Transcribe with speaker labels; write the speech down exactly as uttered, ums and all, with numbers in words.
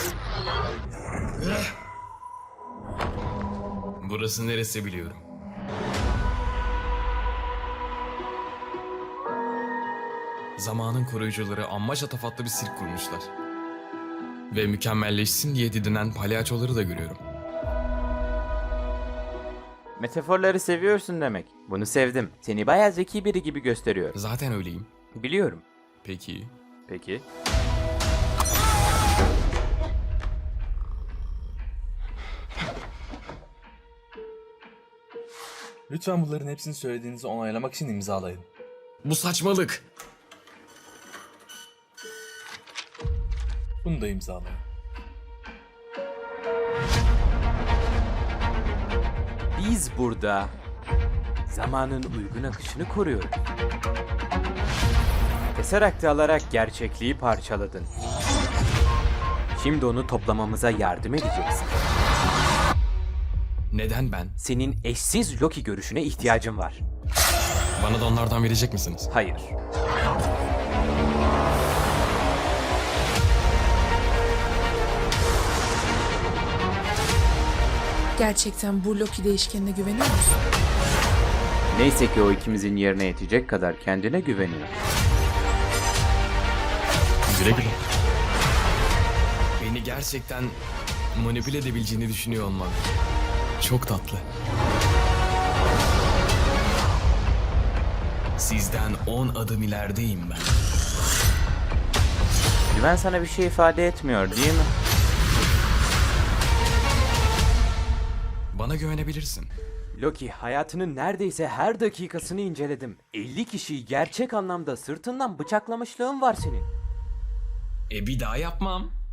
Speaker 1: Burası neresi biliyorum. Zamanın koruyucuları amma şatafatlı bir sirk kurmuşlar. Ve mükemmelleşsin diye didinen palyaçoları da görüyorum.
Speaker 2: Metaforları seviyorsun demek. Bunu sevdim. Seni bayağı zeki biri gibi gösteriyor.
Speaker 1: Zaten öyleyim.
Speaker 2: Biliyorum.
Speaker 1: Peki.
Speaker 2: Peki.
Speaker 3: Lütfen bunların hepsini söylediğinizi onaylamak için imzalayın.
Speaker 1: Bu saçmalık.
Speaker 3: Bunu da imzalayın.
Speaker 2: Biz burada zamanın uygun akışını koruyoruz. Teserakt'ı alarak gerçekliği parçaladın. Şimdi onu toplamamıza yardım edeceksin.
Speaker 1: Neden ben?
Speaker 2: Senin eşsiz Loki görüşüne ihtiyacım var.
Speaker 1: Bana da onlardan verecek misiniz?
Speaker 2: Hayır.
Speaker 4: Gerçekten bu Loki değişkenine güveniyor musun?
Speaker 2: Neyse ki o ikimizin yerine yetecek kadar kendine güveniyor.
Speaker 1: Güle güle. Beni gerçekten manipüle edebileceğini düşünüyor olman çok tatlı. Sizden on adım ilerideyim ben.
Speaker 2: Güven sana bir şey ifade etmiyor değil mi?
Speaker 1: Bana güvenebilirsin.
Speaker 2: Loki, hayatının neredeyse her dakikasını inceledim. elli kişiyi gerçek anlamda sırtından bıçaklamışlığın var senin.
Speaker 1: E bir daha yapmam.